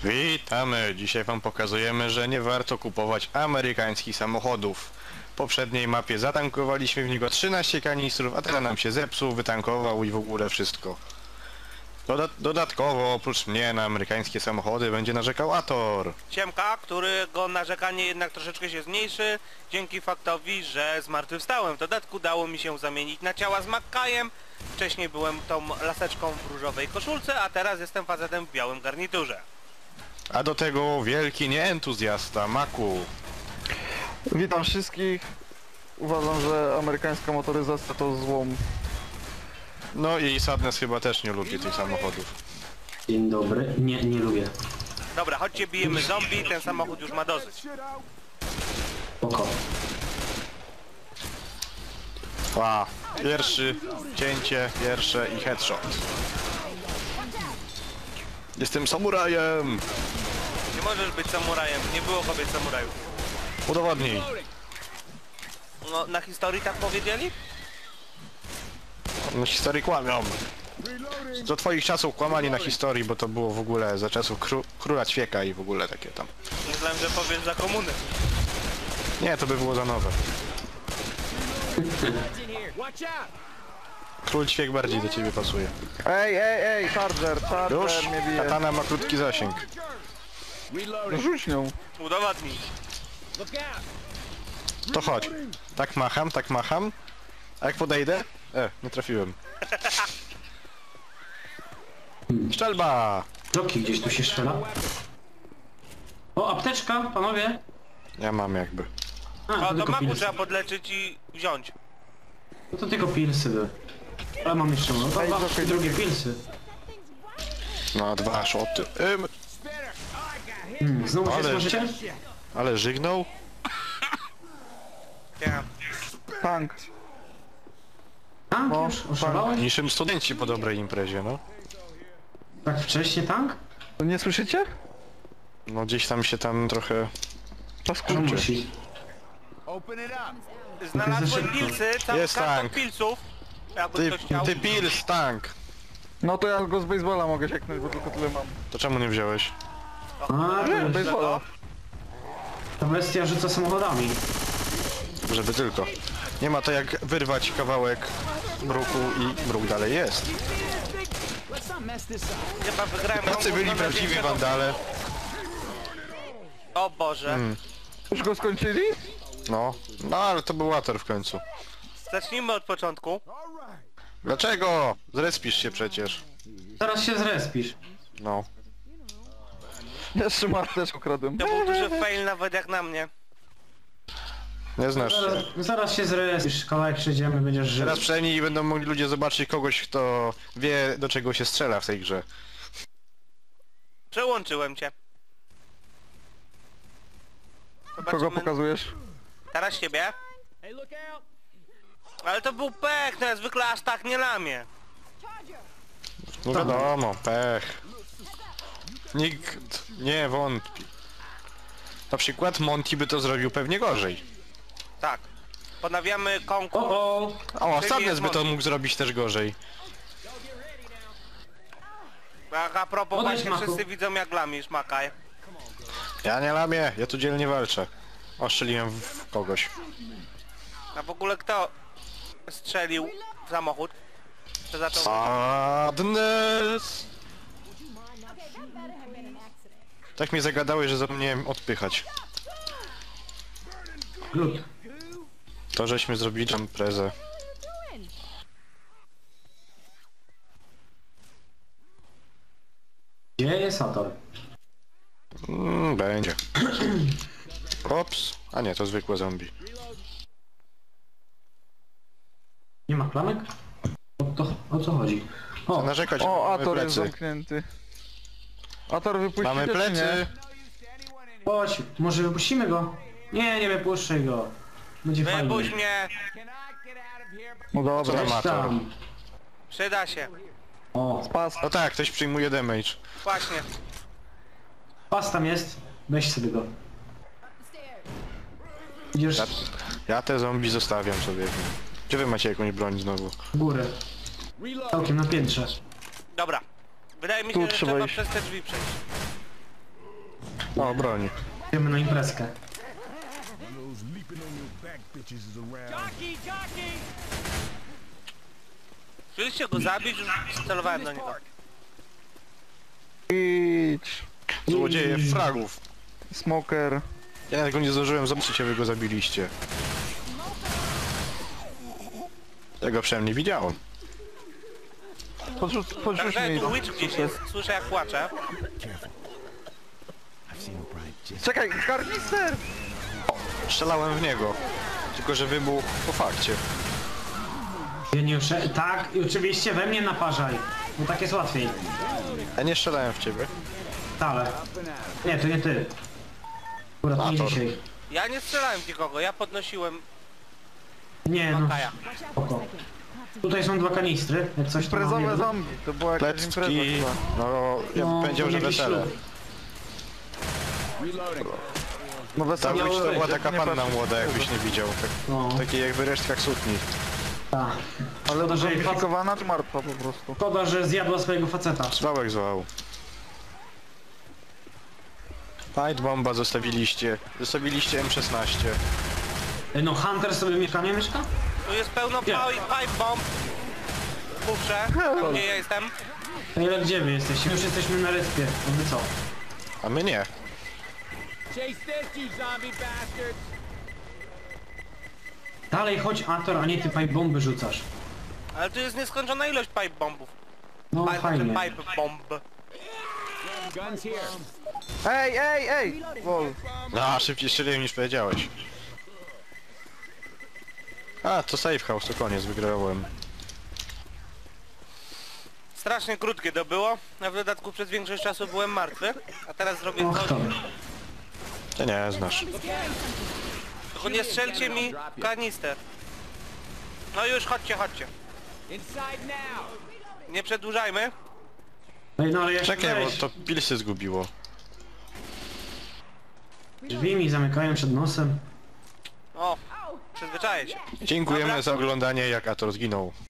Witamy! Dzisiaj wam pokazujemy, że nie warto kupować amerykańskich samochodów. W poprzedniej mapie zatankowaliśmy w niego 13 kanistrów, a teraz nam się zepsuł, wytankował i w ogóle wszystko. Dodatkowo, oprócz mnie, na amerykańskie samochody będzie narzekał Ator. Ciemka, którego narzekanie jednak troszeczkę się zmniejszy dzięki faktowi, że zmartwychwstałem. W dodatku dało mi się zamienić na ciała z Makkajem. Wcześniej byłem tą laseczką w różowej koszulce, a teraz jestem facetem w białym garniturze. A do tego wielki nieentuzjasta, Maku. Witam wszystkich. Uważam, że amerykańska motoryzacja to złom. No i Sadness chyba też nie lubi tych samochodów. Dzień dobry. Nie lubię. Dobra, chodźcie, bijemy zombie, ten samochód już ma dosyć. Oko. A, pierwszy, cięcie, pierwsze i headshot. Jestem samurajem! Nie możesz być samurajem, nie było kobiet samurajów. Udowodnij. No, na historii tak powiedzieli? Na historii kłamią. Do twoich czasów kłamali na historii, bo to było w ogóle za czasów króla ćwieka i w ogóle takie tam. Myślałem, że powiesz za komuny. Nie, to by było za nowe. Król ćwiek bardziej do ciebie pasuje. Ej, Charger Już? mnie bije. Katana ma krótki zasięg. Rzuć nią. Udowodnij. To chodź. Tak macham, tak macham. A jak podejdę? Nie trafiłem. Szczelba! Roki gdzieś tu się strzela. O, apteczka, panowie. Ja mam jakby. A, O, to do tylko maku pilsy. trzeba podleczyć i wziąć. No to tylko pilsy były. Ale mam jeszcze no, Ej, dwa, Jockey, drugie pilsy. No, 2 szoty. Znowu się Ale- smażycie? Ale żygnął? Nie. Tank. Tank No, już? Oszalałeś? Niczym studenci po dobrej imprezie, no. Tak wcześnie tank? Nie słyszycie? No gdzieś tam się tam trochę... To Skurczy. musi. Znalazłem szybko. pilsy, cały Jest karton tank. pilsów. Jakby ktoś chciał. Ty pils, tank! No to ja go z baseballa mogę sieknąć, bo tylko tyle mam. To czemu nie wziąłeś? A, to jest, Baseballa. ta bestia rzuca samochodami. Żeby tylko. Nie ma to jak wyrwać kawałek bruku i bruk dalej jest. Chyba wygrałem Tacy konkurs byli na prawdziwi największego- wandale. O Boże. Już go skończyli? No ale to był Water w końcu. Zacznijmy od początku. Dlaczego? Zrespisz się przecież. Zaraz się zrespisz. No. Jeszcze ma też ukradłem. To był duży fail nawet jak na mnie. Nie znasz Zaraz, się. zaraz się zrespisz, kawałek przejdziemy, będziesz żył. Teraz przynajmniej będą mogli ludzie zobaczyć kogoś, kto wie, do czego się strzela w tej grze. Przełączyłem cię. Kogo Zobaczymy. pokazujesz? Teraz siebie. Ale to był pech, no ja zwykle aż tak nie lamię. No wiadomo, pech. Nikt nie wątpi. Na przykład Monty by to zrobił pewnie gorzej. Tak. Ponawiamy konkurs. O, O, Czyli Sadness jest by to Monty. mógł zrobić też gorzej. A propos Podejdź, właśnie Maku. wszyscy widzą jak lamisz, Makaj. Ja nie lamię, ja tu dzielnie walczę. Ostrzeliłem w kogoś. A w ogóle kto strzelił w samochód? To zaczął... Sadness! Tak mnie zagadałeś, że zapomniałem odpychać. glut. To żeśmy zrobili imprezę. Gdzie jest Ator? Będzie. Ops. A nie, to zwykłe zombie. Nie ma klamek? O co chodzi? O, Narzekać, O, mamy Ator jest plecy. zamknięty. Ator wypuścicie Mamy czy plecy. nie? chodź, może wypuścimy go? Nie wypuszczaj go. Będzie fajnie. Wypuść mnie! No dobra. Co tam? Weź tam. Przyda się. O, Pas. No tak, ktoś przyjmuje damage. Właśnie. pas tam jest. Weź sobie go. Idziesz Ja te zombie zostawiam sobie. Gdzie wy macie jakąś broń znowu? w górę. Całkiem na piętrze. Dobra. Wydaje mi Tu się, że trzeba trzeba iść. przez te drzwi przejść. O, broni. Idziemy na imprezkę. Chcieliście go zabić, już celowałem do niego. Idź. Złodzieje fragów. Smoker. Ja nawet go nie zdążyłem zobaczyć, a wy go zabiliście. Tego przynajmniej widziałem. Podrzuć Także mi tu Witch gdzieś jest, słyszę jak płacze. Czekaj, karnister! Strzelałem w niego. Tylko, że wybuchł po fakcie. Geniusze, tak, i oczywiście we mnie naparzaj. Bo tak jest łatwiej. Ja nie strzelałem w ciebie. Wcale. Nie, to nie ty. Akurat nie Ator. dzisiaj. Ja nie strzelałem w nikogo, ja podnosiłem Nie no, Makaja. spoko. Tutaj są 2 kanistry, jak coś to mam Imprezowe jeden. zombie, to była jakaś impreza Plecki. chyba. No, ja bym No, powiedział, to że jakiś wesele. ślub. No Ta wesele Witch to była być, taka nie panna patrzę. młoda, jakbyś nie widział. Tak, No, w takiej jakby resztkach sukni. tak. Ale Szkoda, że zomifikowana czy martwa po prostu? Szkoda, że zjadła swojego faceta. Zwałek zwał. Fight bomba zostawiliście. Zostawiliście M16. No Hunter sobie mieszkanie mieszka? Tu jest pełno Gdzie? pipe bomb. Puszczę, tam gdzie ja jestem. A ile gdzie wy jesteście? Już jesteśmy na respie. No wy co? A my nie. Dalej chodź Ator, a nie ty pipe bomby rzucasz. Ale tu jest nieskończona ilość pipe bombów. No fajnie. Pipe bomb. Ej! Wol. No, szybciej strzeliłem niż powiedziałeś. A, to safe house, to koniec, wygrałem. Strasznie krótkie to było, a w dodatku przez większość czasu byłem martwy. A teraz zrobię Och coś. to. Ty nie znasz. Tylko nie strzelcie mi kanister. No już, chodźcie. Nie przedłużajmy. Ej, no ale ja Czekaj, bo to pilsy zgubiło. Drzwi mi zamykają przed nosem. O, przyzwyczaję się. Dziękujemy Dobra. za oglądanie, jak Ator zginął.